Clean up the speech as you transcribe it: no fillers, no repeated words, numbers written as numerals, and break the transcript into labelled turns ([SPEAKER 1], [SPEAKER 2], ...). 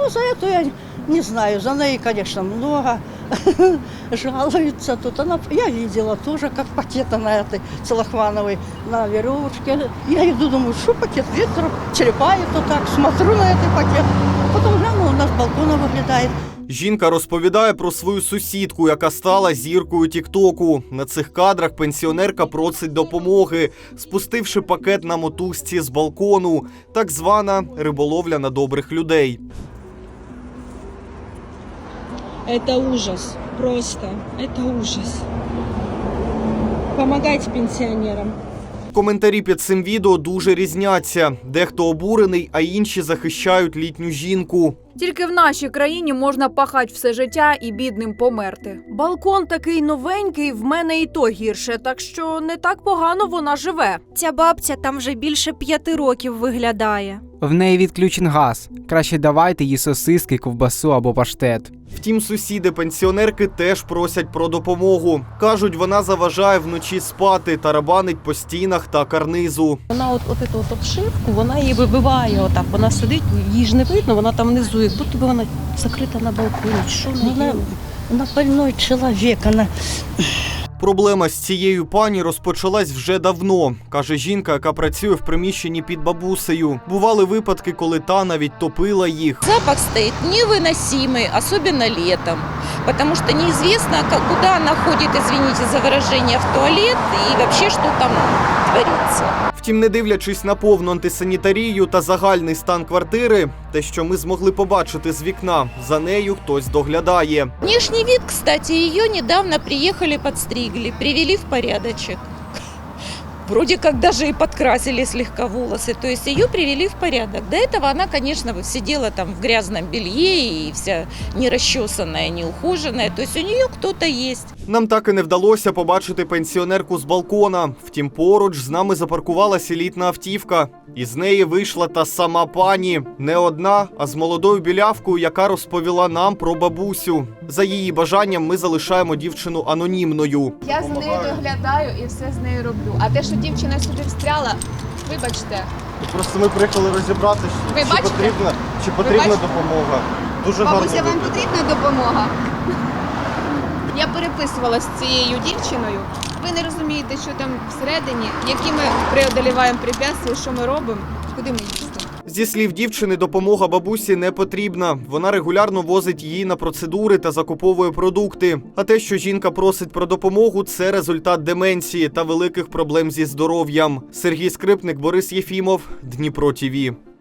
[SPEAKER 1] Ну, за это я не знаю. За ней, конечно, много жалуются тут. Я видела тоже, как пакет на этой целлофановой на веревочке. Я иду, думаю, что пакет, ветер черепает вот так, смотрю на этот пакет. Потом гляну, у нас с балкона выглядает.
[SPEAKER 2] Жінка розповідає про свою сусідку, яка стала зіркою тік-току. На цих кадрах пенсіонерка просить допомоги, спустивши пакет на мотузці з балкону. Так звана риболовля на добрих людей.
[SPEAKER 3] Это ужас, просто, это ужас. Помогайте пенсионерам.
[SPEAKER 2] Коментарі під цим відео дуже різняться. Дехто обурений, а інші захищають літню жінку.
[SPEAKER 4] Тільки в нашій країні можна пахати все життя і бідним померти. Балкон такий новенький, в мене і то гірше, так що не так погано вона живе.
[SPEAKER 5] Ця бабця там вже більше 5 років виглядає.
[SPEAKER 6] В неї відключен газ. Краще давайте їй сосиски, ковбасу або паштет.
[SPEAKER 2] Втім, сусіди пенсіонерки теж просять про допомогу. Кажуть, вона заважає вночі спати, тарабанить по стінах та карнизу.
[SPEAKER 7] Вона от эту обшивку, вона її вибиває отак. Вона сидить, її ж не видно, вона там внизу, як будто б вона закрита на балконі. Що
[SPEAKER 1] Она больной человек, она...
[SPEAKER 2] Проблема з цією пані розпочалась вже давно, каже жінка, яка працює в приміщенні під бабусею. Бували випадки, коли та навіть топила їх.
[SPEAKER 8] Запах стоит невыносимый, особенно летом, потому что неизвестно, куда она ходит, извините за выражение, в туалет и вообще, что там творится.
[SPEAKER 2] Втім, не дивлячись на повну антисанітарію та загальний стан квартири, те, що ми змогли побачити з вікна, за нею хтось доглядає.
[SPEAKER 8] Внешний вид, кстати, ее недавно приехали, подстригли, привели в порядочек. Вроде как даже и подкрасили слегка волосы, то есть ее привели в порядок. До этого она, конечно, сидела там в грязном белье и вся нерасчесанная, неухоженная, то есть у нее кто-то есть.
[SPEAKER 2] Нам так і не вдалося побачити пенсіонерку з балкона. Втім, поруч з нами запаркувалася літна автівка. Із неї вийшла та сама пані. Не одна, а з молодою білявкою, яка розповіла нам про бабусю. За її бажанням ми залишаємо дівчину анонімною.
[SPEAKER 9] Я з нею доглядаю і все з нею роблю. А те, що дівчина сюди встряла, вибачте.
[SPEAKER 2] Просто ми приїхали розібратися, чи потрібна допомога. Дуже
[SPEAKER 9] Бабуся, вам потрібна допомога? Я переписувалася з цією дівчиною. Ви не розумієте, що там всередині, які ми преодоліваємо препятствия, що ми робимо, куди ми їздимо.
[SPEAKER 2] Зі слів дівчини, допомога бабусі не потрібна. Вона регулярно возить її на процедури та закуповує продукти. А те, що жінка просить про допомогу, це результат деменції та великих проблем зі здоров'ям. Сергій Скрипник, Борис Єфімов, Дніпро ТІВІ.